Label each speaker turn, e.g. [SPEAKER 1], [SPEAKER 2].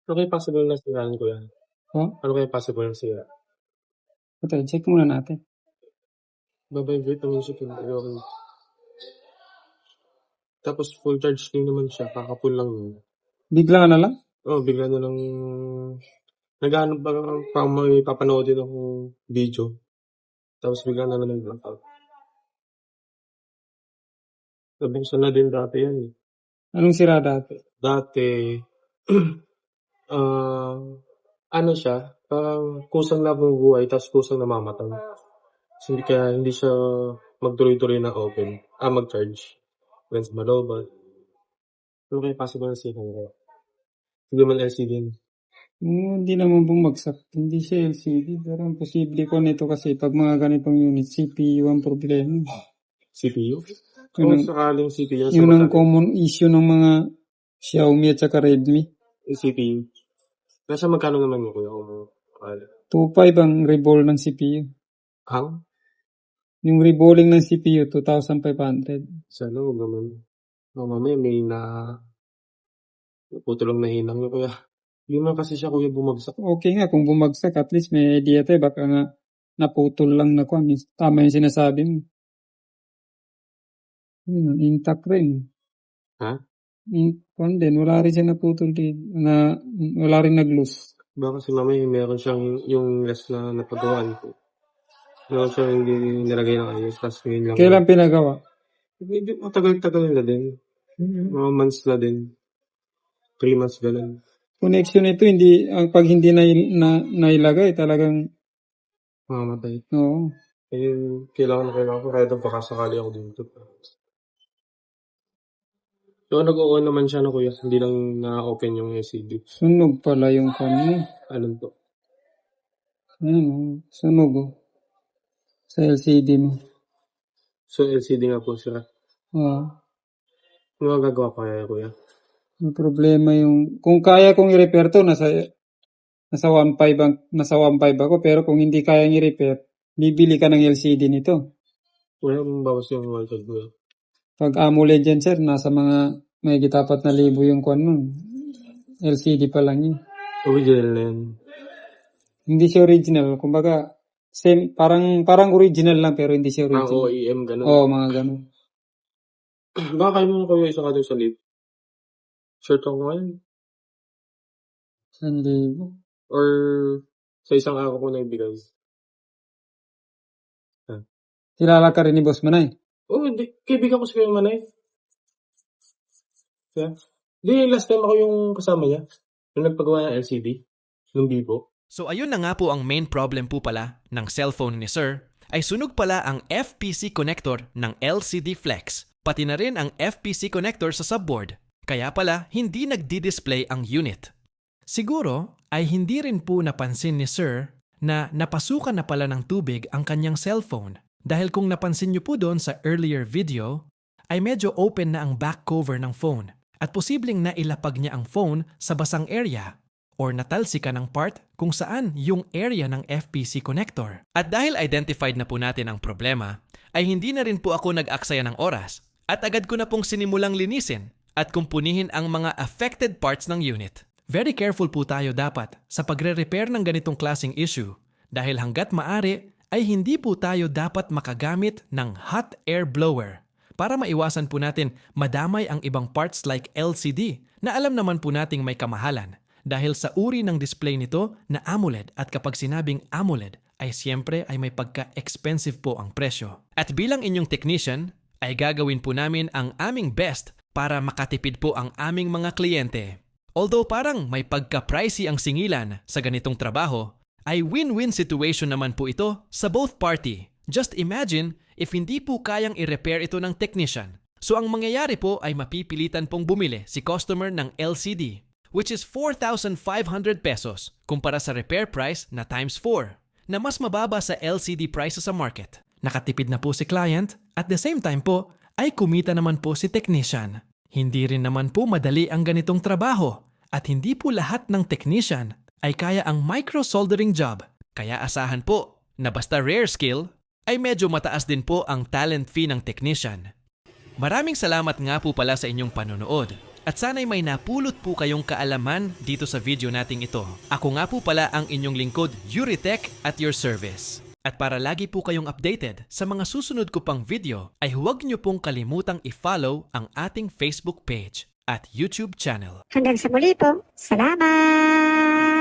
[SPEAKER 1] Ano kaya possible na siraan, kuya?
[SPEAKER 2] Oh,
[SPEAKER 1] Ano kaya possible na sira?
[SPEAKER 2] ito, check muna natin.
[SPEAKER 1] Ba-vibrate naman siya okay. Tapos full charge din naman siya, kaka-full lang yun.
[SPEAKER 2] Bigla na lang?
[SPEAKER 1] Oo, bigla na lang naghahanap pa may papanoodin akong video. Tapos bigla na lang nag-blackout. Nabuksan na din dati yan eh.
[SPEAKER 2] Anong sira dati?
[SPEAKER 1] Dati, ano siya, kusang nabubuhay tapos kusang namamatay. So, hindi siya magtuloy-tuloy na open. Mag-charge. Lens malobat. Ano kaya possible na sira kaya? Hindi man LCD yun.
[SPEAKER 2] Hindi naman bumagsak. Hindi siya LCD. Pero ang posible ko nito kasi pag mga ganitong unit, CPU ang problema.
[SPEAKER 1] CPU?
[SPEAKER 2] Yun
[SPEAKER 1] Kung
[SPEAKER 2] ang,
[SPEAKER 1] sakaling CPU sa
[SPEAKER 2] yun ang
[SPEAKER 1] batalya.
[SPEAKER 2] common issue ng mga Xiaomi at saka Redmi.
[SPEAKER 1] Yung CPU. Nasa magkano naman mo kuya kung
[SPEAKER 2] 2.5 ang reball ng CPU.
[SPEAKER 1] Hang?
[SPEAKER 2] Yung reballing ng CPU, 2,500.
[SPEAKER 1] Sa loob naman. Mamaya may putulong na hinang nyo kuya. Hindi man kasi siya kuya bumagsak.
[SPEAKER 2] Okay nga, kung bumagsak, at least may idea tayo. Baka nga naputol lang na kung tama yung sinasabi mo. Intact rin.
[SPEAKER 1] Ha?
[SPEAKER 2] Din, wala rin siya naputol din. Wala rin nag-loose.
[SPEAKER 1] Baka kasi mamaya meron siyang yung less na napagawaan ko. Meron siyang hindi nilagay ng ayos. Tapos ngayon lang.
[SPEAKER 2] Kailan pinagawa?
[SPEAKER 1] Matagal-tagal na din. Mga months na din. 3 months ganun.
[SPEAKER 2] Connection nito, pag hindi nailagay, talagang,
[SPEAKER 1] Mamamatay.
[SPEAKER 2] oo.
[SPEAKER 1] Kailangan ko kahit baka sakali ako dito. So, nag-o-on naman siya kuya. Hindi lang na-open yung LCD.
[SPEAKER 2] Sunog pala yung kanya.
[SPEAKER 1] Anong to?
[SPEAKER 2] Sunog sa LCD mo.
[SPEAKER 1] So, LCD nga po sila. Ano gagawa pa kaya kuya?
[SPEAKER 2] May problema yung, kung kaya kong i-repair to, nasa 1.5 ako, pero kung hindi kaya i-repair, bibili ka ng LCD nito.
[SPEAKER 1] Wala mong bawas yung voltage kuya.
[SPEAKER 2] Pag AMOLED yan, sir, nasa mga may 4,000 yung kwan nun. LCD pa lang yun.
[SPEAKER 1] Original na yan.
[SPEAKER 2] Hindi siya original. Kumbaga, same, parang original lang pero hindi siya original.
[SPEAKER 1] OEM, gano'n.
[SPEAKER 2] Oo, mga ganun.
[SPEAKER 1] Baka kayo mo kuya isa ka doon sa lead. Shirt ako ngayon.
[SPEAKER 2] 1,000.
[SPEAKER 1] Or sa isang araw ko na ibigay.
[SPEAKER 2] Kilala ka rin ni Boss Manay?
[SPEAKER 1] Hindi. Kaibigan ko si Kuya Manay. Yeah. Di, last time ako yung kasama niya. Yung nagpagawa ng LCD. Yung Vivo.
[SPEAKER 3] So ayun na nga po ang main problem po pala ng cellphone ni Sir ay sunog pala ang FPC connector ng LCD Flex, pati na rin ang FPC connector sa subboard. Kaya pala hindi nagdi-display ang unit. Siguro ay hindi rin po napansin ni Sir na napasukan na pala ng tubig ang kanyang cellphone. Dahil kung napansin niyo po doon sa earlier video, ay medyo open na ang back cover ng phone at posibleng nailapag niya ang phone sa basang area or natalsika ng part kung saan yung area ng FPC connector. At dahil identified na po natin ang problema, ay hindi na rin po ako nag-aksaya ng oras at agad ko na pong sinimulang linisin at kumpunihin ang mga affected parts ng unit. Very careful po tayo dapat sa pagre-repair ng ganitong klaseng issue dahil hanggat maaari ay hindi po tayo dapat makagamit ng hot air blower para maiwasan po natin madamay ang ibang parts like LCD na alam naman po nating may kamahalan dahil sa uri ng display nito na AMOLED at kapag sinabing AMOLED ay siyempre ay may pagka-expensive po ang presyo. At bilang inyong technician ay gagawin po namin ang aming best para makatipid po ang aming mga kliyente. Although parang may pagka-pricey ang singilan sa ganitong trabaho, ay win-win situation naman po ito sa both party. Just imagine if hindi po kayang i-repair ito ng technician. So ang mangyayari po ay mapipilitan pong bumili si customer ng LCD, which is 4,500 pesos kumpara sa repair price na times 4, na mas mababa sa LCD prices sa market. Nakatipid na po si client at the same time po ay kumita naman po si technician. Hindi rin naman po madali ang ganitong trabaho at hindi po lahat ng technician ay kaya ang micro-soldering job. Kaya asahan po na basta rare skill ay medyo mataas din po ang talent fee ng technician. Maraming salamat nga po pala sa inyong panonood. At sana'y may napulot po kayong kaalaman dito sa video nating ito. Ako nga po pala ang inyong lingkod, Yuritech, at your service. At para lagi po kayong updated sa mga susunod ko pang video, ay huwag niyo pong kalimutang i-follow ang ating Facebook page at YouTube channel.
[SPEAKER 4] Hanggang sa muli po. Salamat!